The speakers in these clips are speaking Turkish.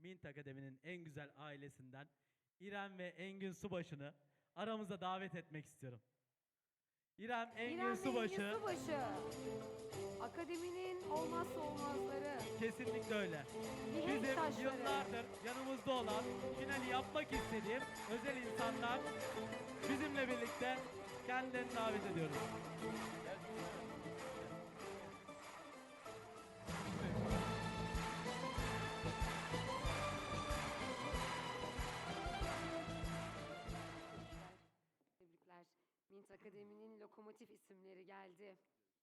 Mint Akademi'nin en güzel ailesinden İrem ve Engin Subaşı'nı aramıza davet etmek istiyorum. İrem, Engin İrem ve Subaşı. Engin Subaşı. Akademinin olmazsa olmazları. Kesinlikle öyle. Mihenk Bizim taşları. yıllardır yanımızda olan, finali yapmak istediğim özel insanlar bizimle birlikte kendilerini davet ediyoruz. Tebrikler. Mint Akademi'nin lokomotif isimleri geldi.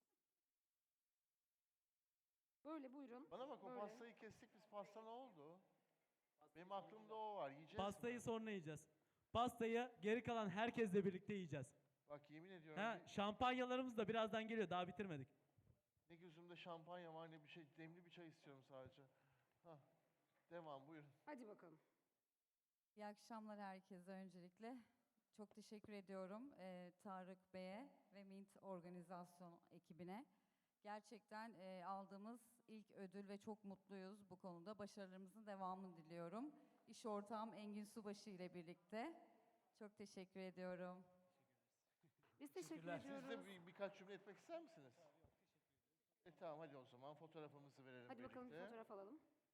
Böyle buyurun. Bana bak, o Böyle. pastayı kestik biz. Pasta ne oldu? Benim aklımda o var. Yiyeceğiz Pastayı mi? sonra yiyeceğiz. Pastayı geri kalan herkesle birlikte yiyeceğiz. Bak yemin ediyorum Şampanyalarımız da birazdan geliyor. Daha bitirmedik. ne gözümde şampanya var ne bir şey. Demli bir çay istiyorum sadece. Hah. Devam buyurun. Hadi bakalım. İyi akşamlar herkese öncelikle. Çok teşekkür ediyorum Tarık Bey'e ve Mint organizasyon ekibine. Gerçekten aldığımız ilk ödül ve çok mutluyuz bu konuda. Başarılarımızın devamını diliyorum. İş ortağım Engin Subaşı ile birlikte. Çok teşekkür ediyorum. Biz teşekkür Teşekkürler. ediyoruz. Siz de birkaç cümle etmek ister misiniz? Tamam hadi o zaman fotoğrafımızı verelim Hadi birlikte. bakalım bir fotoğraf alalım.